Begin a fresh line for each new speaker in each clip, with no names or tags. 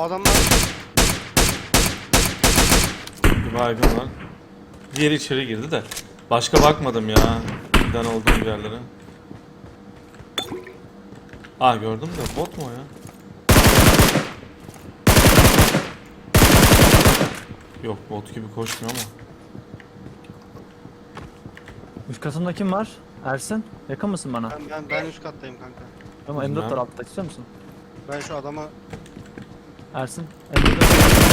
adamlar
Bir baygın var. Diğeri içeri girdi de. Başka bakmadım ya. Giden olduğum yerlere. Aa gördüm de bot mu o ya? Yok bot gibi koşmuyor ama.
Üst katında kim var? Ersin. Yakın mısın bana?
ben üst kattayım kanka.
Ama M4
Bilmem.
var altta, istiyor musun?
Ben şu adama
Ersin. M4.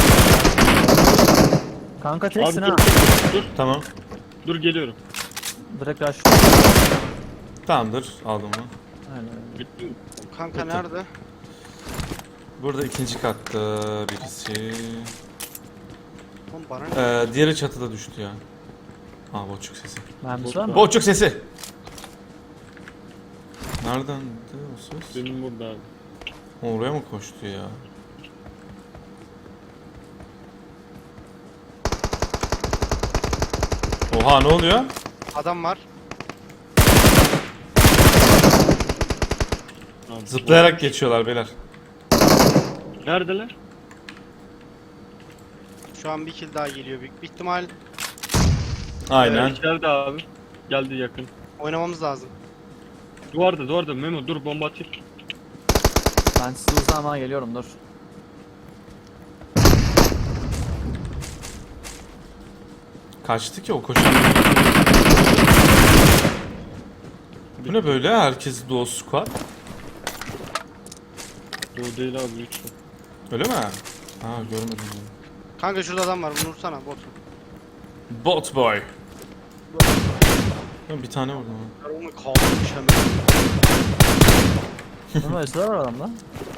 Kanka teksin
Abi
ha.
dur.
Tamam.
Dur geliyorum.
Direkt rush.
Tamamdır. Aldım onu.
Aynen.
Bitti mi?
kanka nerede?
Burada ikinci katta birisi.
Oğlum bana ne?
Diğeri çatıda düştü ya. Aa boçuk sesi.
Mermisi var mı?
Boçuk sesi. Nereden o ses?
Benim burada abi.
Oraya mı koştu ya? Oha ne oluyor?
Adam var.
Abi,
Zıplayarak geçiyorlar beyler.
Neredeler?
Şu an bir kill daha geliyor. Büyük bir ihtimal
Aynen.
İçeride abi. Geldi yakın.
oynamamız lazım.
Duvarda Memo dur bomba atayım.
Ben size uzamaya geliyorum, dur.
Kaçtı ki o koşan. Bu ne böyle? Herkes duo squad.
Doğu değil abi lütfen.
Öyle mi? Ha görmedim. ben.
Kanka şurada adam var. Bunu vursana bot.
Bot boy. Ben bir tane vurdum. ha.
Ben onu kaldırmış hemen.
Ama esrar var adamda.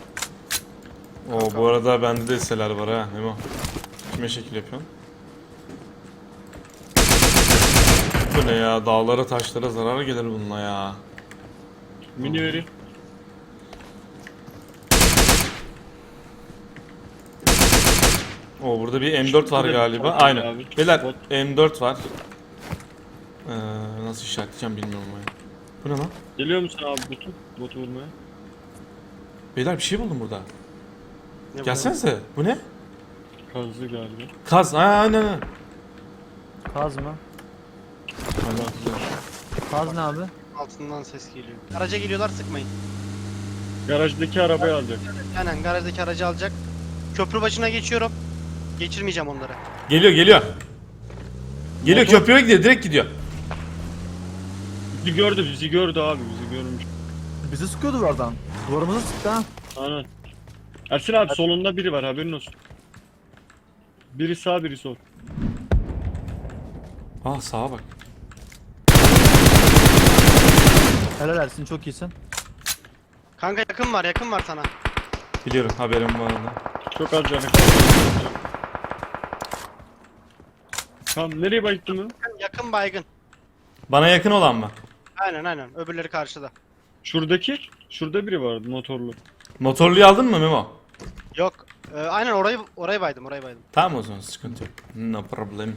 Oo bu arada bende de hisseler var ha. Memo. Kime şekil yapıyorsun? Bu ne ya? Dağlara taşlara zarar gelir bununla ya.
Mini vereyim.
Oo burada bir M4 var
Şurada bir
galiba.
bot var
Aynen.
abi.
Beyler
Bot.
M4 var. Nasıl işaretleyeceğim bilmiyorum ama ya. Bu ne lan?
Geliyor musun abi botu vurmaya?
Beyler bir şey buldum burada.
Ne bu?
Gelsenize. Bu ne?
Kazdı galiba.
Kaz. Aynen.
Kaz mı? Kaz ne abi?
Altından ses geliyor. Araca geliyorlar, sıkmayın.
Garajdaki arabayı alacak.
Aynen garajdaki aracı alacak. Köprü başına geçiyorum. Geçirmeyeceğim onları.
Geliyor. Geliyor
Motor-
köprüye gidiyor. Direkt gidiyor.
Bizi gördü abi bizi görmüş.
Bizi sıkıyordu oradan. Duvarımızı sıktı ha.
Aynen. Ersin abi solunda biri var haberin olsun. Biri sağ biri sol.
Aa sağa bak.
Helal Ersin, çok iyisin.
Kanka yakın var sana.
Biliyorum haberim var onda.
Çok az canı kaldı. Tamam nereye baktın mı?
Yakın baygın.
Bana yakın olan mı?
Aynen. Öbürleri karşıda.
Şurada biri vardı motorlu.
Motorluyu aldın mı Memo?
Yok. Aynen orayı baydım.
Tamam o zaman sıkıntı yok. No problem.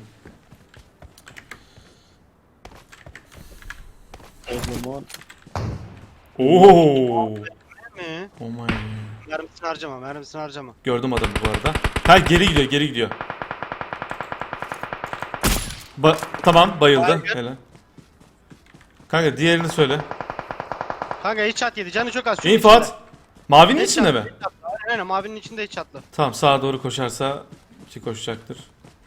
O zaman
Oo.
Mi?
Oh my.
Mermisini harcama.
Gördüm adamı bu arada. Ha geri gidiyor. Tamam bayıldı.
Baygın.
Helal. Kanka diğerini söyle.
Kanka headshot yedi. Canı çok az. Şu
İnfo
içinde.
at. Mavinin
Headshot,
içinde mi?
headshot. Aynen mavinin içinde headshotlı.
Tamam sağa doğru koşarsa ki koşacaktır.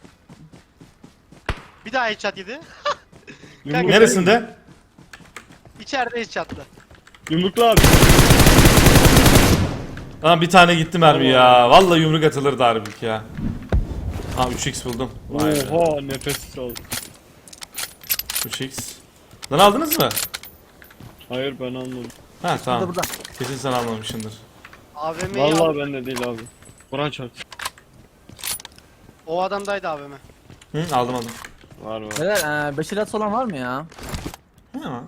Bir daha headshot yedi.
yumruk,
Neresinde?
İçeride headshotlı.
yumruklu abi.
Lan bir tane gitti mermi ya. Vallahi yumruk atılırdı harbik ya. Ha 3x buldum. Vay be.
Oha nefessiz aldım.
3x. Lan aldınız mı?
Hayır ben almadım.
Ha tamam.
Burada.
Kesin sen almamışsındır.
AVM'yi al.
Vallahi bende değil abi. Kur'an çarpsın.
O adamdaydı AVM.
Hı aldım.
Var.
Helal, 5 ilat olan var mı ya?
Ha.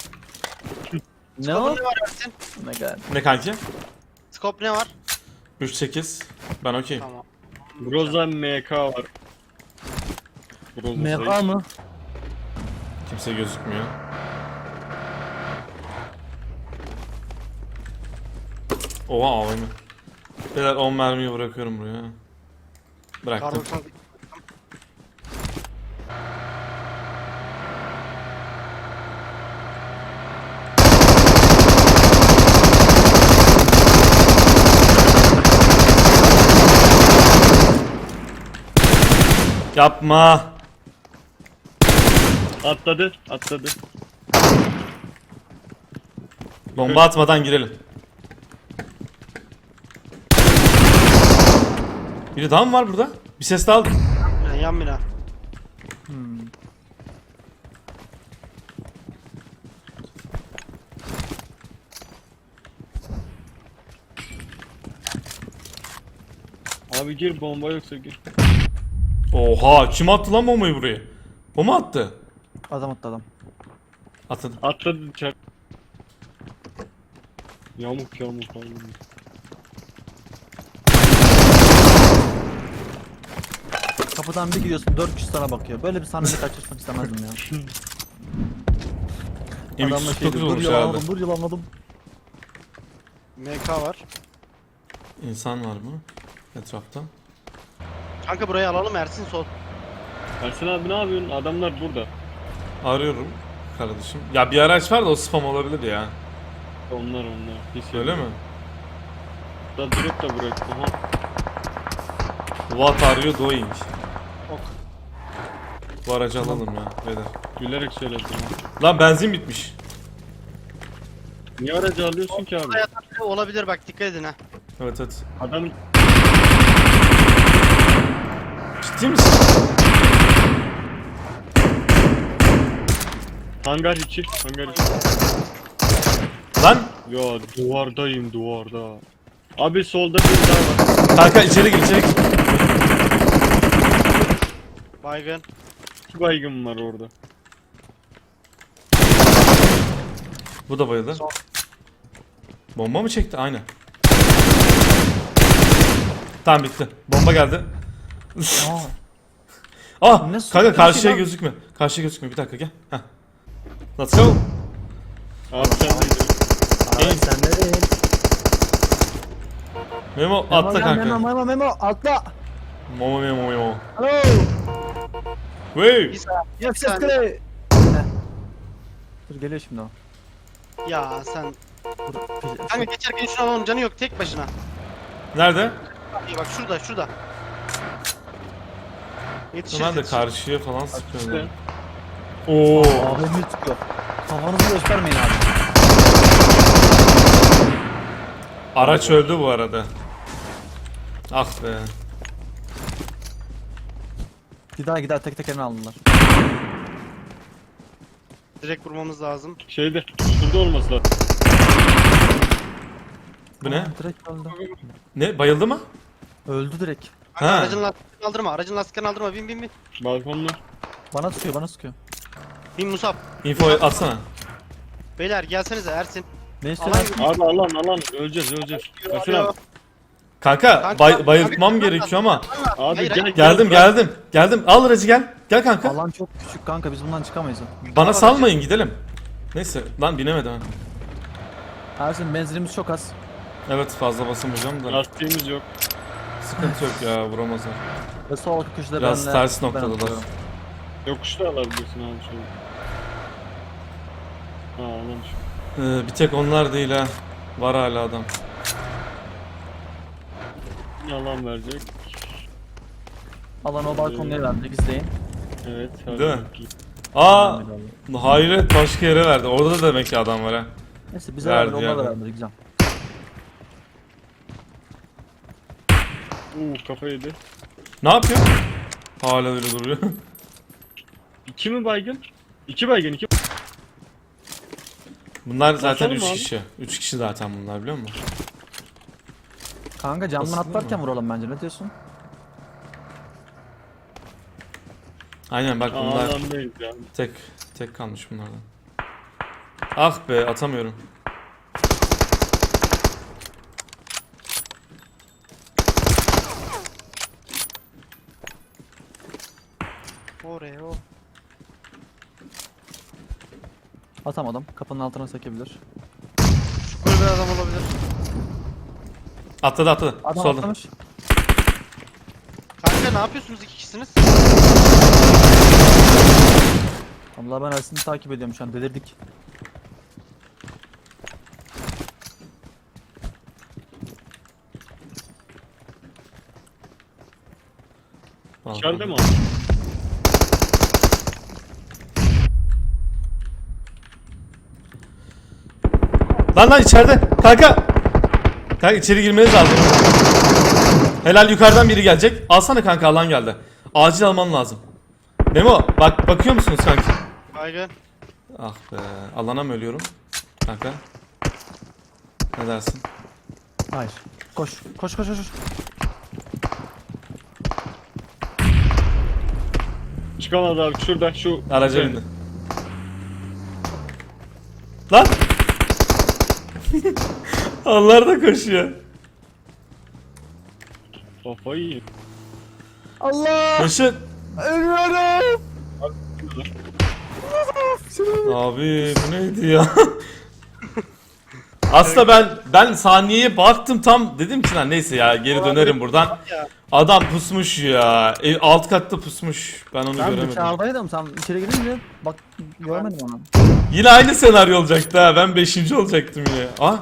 Ne o?
Scope'un ne var Ersin?
Oh my god.
Ne kanki?
Scope ne var?
3-8. Ben okey.
Tamam.
Groza MK var. Groza
MK mı?
Kimse gözükmüyor. Oha AVM. Beyler 10 mermiyi bırakıyorum buraya. Bıraktım.
Kar 98.
Yapma.
Atladı. Atladı.
Bomba atmadan girelim. Biri daha mı var burada? Bir ses daha aldım.
Yan bina.
Abi gir, bomba yoksa gir.
Oha, kim attı lan bombayı buraya? O mu attı?
Adam attı adam.
Atın.
Atladı çak. Yamuk yamuk abi.
Kapıdan bir gidiyorsun 4 kişi sana bakıyor. Böyle bir sahneyi kaçırmak istemezdim ya. Adamla şey
M349
diyor, dur
olmuş
yalanladım,
herhalde.
dur yalanladım.
MK var.
İnsan var mı? Etrafta.
Kanka burayı alalım, Ersin sol.
Ersin abi ne yapıyorsun? Adamlar burada.
Arıyorum kardeşim. Ya bir araç var da o spam olabilir ya.
Onlar. Hiç
Öyle mi?
Da direkt de bırak. Aha.
What are you doing?
Ok.
Bu aracı alalım ya beyler.
Gülerek söyledim.
Lan benzin bitmiş.
Niye aracı alıyorsun ki abi?
Buraya olabilir bak, dikkat edin ha.
Evet evet.
Adam
Ciddi misin?
hangar içi.
Lan
Ya duvardayım duvarda. Abi solda bir daha var.
kanka içeri gir içeri gir.
Baygın.
2 baygın var orada.
Bu da bayıldı.
Son.
Bomba mı çekti? Aynen. Tamam bitti. Bomba geldi.
Aa,
Ah
Ne
kanka karşıya
lan?
gözükme. Karşıya gözükme. Bir dakika gel. Heh. Let's go.
Abi sen de
araç sende değil.
Memo
Memo
atla
gel,
kanka.
Memo atla.
Memo.
Hello.
Wey.
Yes
Sen-
Dur geliyor şimdi o.
Ya sen.
Dur,
Kanka geçerken şunu alalım, canı yok, tek başına.
Nerede?
İyi bak, şurada. Yetişir.
Ben de
yetişir.
karşıya falan sıkıyorum.
işte.
Oo.
AVM tutuyor. Kafanızı göstermeyin abi.
Araç öldü bu arada. Ah be.
Gider tek tek eline aldılar.
Direkt vurmamız lazım.
Şeyde şurada olması lazım.
Bu ne?
Direkt öldü.
Ne? Bayıldı mı?
Öldü direkt.
Kanka,
Ha.
aracın lastiklerini aldırma. Aracın lastiklerini aldırma. Bin.
Balkonda.
Bana sıkıyor.
Bin Musab.
Info atsana.
Beyler gelsenize, Ersin.
Ne istiyorsun?
Alan-
Abi alan öleceğiz. Ersin abi.
Kanka
Kanka,
bayıltmam
kanka,
gerekiyor ama.
Abi
Hayır,
gel
hayır.
Geldim. Al aracı gel. Gel kanka.
Alan çok küçük kanka, biz bundan çıkamayız.
Bana salmayın gidelim. Neyse lan binemedim.
Ersin benzinimiz çok az.
Evet fazla basamayacağım da.
Lastiğimiz yok.
Sıkıntı yok ya vuramazlar.
Ve sol köşede
Biraz
benle
ters
ben
noktadalar.
atıyorum.
Yokuşta alabilirsin abi şöyle. Ha alan şu.
Bir tek onlar değil ha. Var hala adam.
Ne alan verecek?
Alan o balkonları verdik, izleyin.
Evet.
Değil mi? Aa hayret başka yere verdi. Orada da demek ki adam var ha.
Neyse bize
Verdi
verdi, onlar da
yani.
verdi, güzel.
Kafa yedi.
Ne yapıyor? Hala öyle duruyor.
2 mi baygın? 2 baygın 2.
Bunlar zaten
Basalım
3
abi.
kişi. 3 kişi zaten bunlar biliyor musun?
Kanka camdan
Basılır
atlarken
mı?
vuralım bence, ne diyorsun?
Aynen bak bunlar
Alandayız ya.
tek kalmış bunlardan. Ah be atamıyorum.
Oreo.
Atamadım, kapının altına sekebilir.
Böyle bir adam olabilir.
Atladı atladı.
Adam
Solda.
atlamış.
Kanka ne yapıyorsunuz iki kişisiniz?
Allah ben Ersin'i takip ediyorum şu an delirdik.
İçeride mi o?
Lan içeride. Kanka. Kanka içeri girmeniz lazım. Helal yukarıdan biri gelecek. Alsana kanka alan geldi. Acil alman lazım. Memo bak bakıyor musunuz kanki?
Baygın.
Ah be alana mı ölüyorum? Kanka. Ne dersin?
Hayır. Koş. Koş koş koş. Koş.
Çıkamadı abi şurada şu.
Araca bindi. Lan! Onlar da koşuyor.
Kafayı yiyeyim.
Allah!
Koşun.
Ölüyorum!
Abi bu neydi ya? Aslında ben saniyeye baktım tam dedim ki lan neyse ya geri dönerim buradan.
Ya.
Adam pusmuş ya. Alt katta pusmuş. Ben onu
Ben
göremedim.
dışarıdaydım sen içeri girince bak görmedim onu.
Yine aynı senaryo olacaktı ha. Ben 5. olacaktım yine. Ah.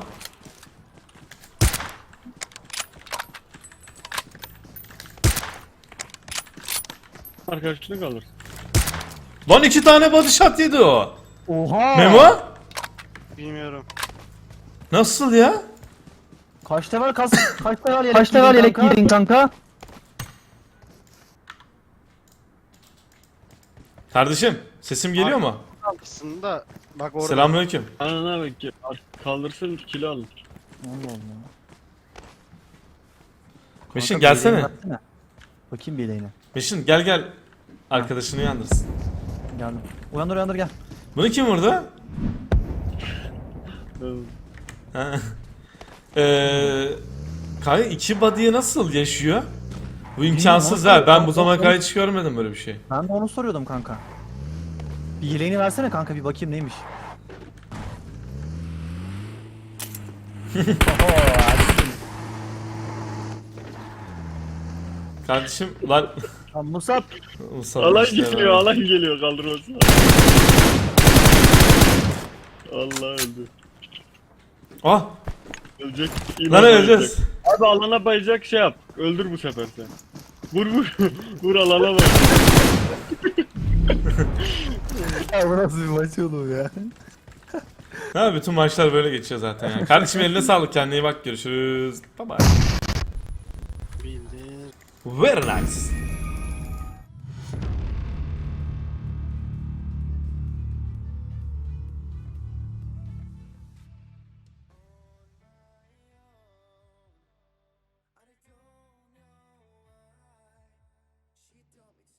Arkadaşını kalır.
Lan 2 tane body shot yedi o.
Oha!
Memo?
Bilmiyorum.
Nasıl ya?
Kaç level kaç level yelek giydin kanka?
Kardeşim sesim geliyor mu?
Aslında bak orada.
Selamünaleyküm.
Anana bak ki kaldırsın kilo alır.
Allah Allah.
Meşin
Kanka,
gelsene.
bir yeleğini versene. Bakayım bir yeleğine.
Meşin gel. Arkadaşını uyandırsın.
Geldim. Uyandır gel.
Bunu kim vurdu? Ha. Kanka 2 body'ye nasıl yaşıyor? Bu imkansız
nasıl?
ha. Ben bu zamana kadar hiç görmedim böyle bir şey.
Ben de onu soruyordum kanka. Bir yeleğini versene kanka bir bakayım neymiş. Oho, Ersin.
Kardeşim lan
Lan Musab.
Mustafa
Alan
işte
geliyor,
ben-
alan geliyor kaldırmasına. Allah öldü.
Ah
Ölecek.
lan öleceğiz.
Abi alana bayacak şey yap. Öldür bu sefer sen. Vur. Vur alana bay.
Ya bu nasıl bir maç oğlum ya?
Ha bütün maçlar böyle geçiyor zaten ya. Kardeşim eline sağlık kendine iyi bak görüşürüz. Bye bye.
Bildir.
Very nice.